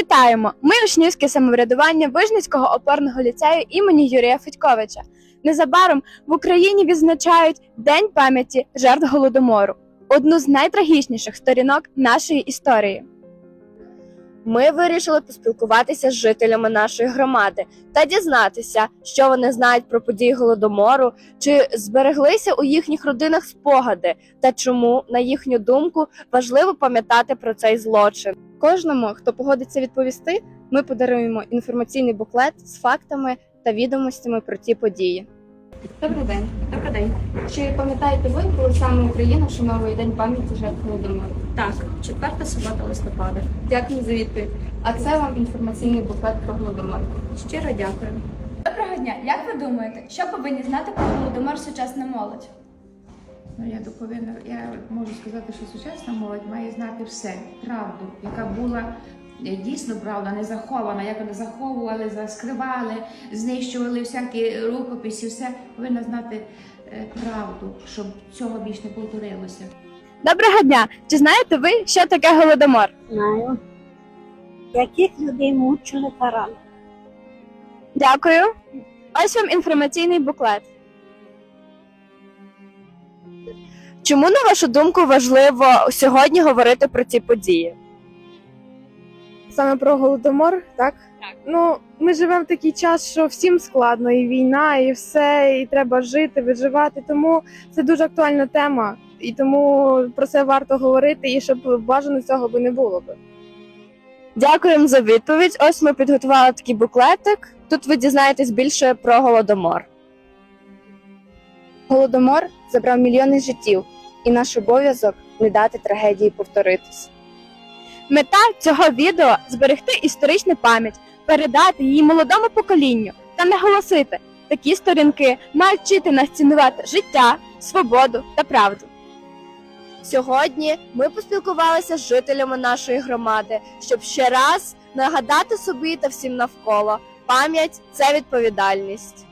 Вітаємо! Ми учнівське самоврядування Вижницького опорного ліцею імені Юрія Федьковича. Незабаром в Україні відзначають День пам'яті жертв Голодомору – одну з найтрагічніших сторінок нашої історії. Ми вирішили поспілкуватися з жителями нашої громади та дізнатися, що вони знають про події Голодомору, чи збереглися у їхніх родинах спогади та чому, на їхню думку, важливо пам'ятати про цей злочин. Кожному, хто погодиться відповісти, ми подаруємо інформаційний буклет з фактами та відомостями про ті події. Добрий день. Добрий день. Чи пам'ятаєте ви, коли саме Україна вшановує День пам'яті жертв Голодомору? Так, 4 субота листопада. Дякую за відповідь. А це вам інформаційний буклет про Голодомор. Щиро дякую. Доброго дня! Як ви думаєте, що повинні знати про Голодомор сучасна молодь? Я можу сказати, що сучасна молодь має знати все, правду, яка була дійсно правда, не захована, як вони заховували, скривали, знищували всякі рукописи, все повинна знати правду, щоб цього більш не повторилося. Доброго дня! Чи знаєте ви, що таке Голодомор? Знаю. Яких людей мучили таран. Дякую. Ось вам інформаційний буклет. Чому, на вашу думку, важливо сьогодні говорити про ці події? Саме про Голодомор, так? Ну, ми живемо в такий час, що всім складно, і війна, і все, і треба жити, виживати, тому це дуже актуальна тема, і тому про це варто говорити, і щоб бажано цього би не було би. Дякуємо за відповідь. Ось ми підготували такий буклетик. Тут ви дізнаєтесь більше про Голодомор. Голодомор забрав мільйони життів, і наш обов'язок не дати трагедії повторитись. Мета цього відео – зберегти історичну пам'ять, передати її молодому поколінню та наголосити, такі сторінки мають вчити нас цінувати життя, свободу та правду. Сьогодні ми поспілкувалися з жителями нашої громади, щоб ще раз нагадати собі та всім навколо – пам'ять – це відповідальність.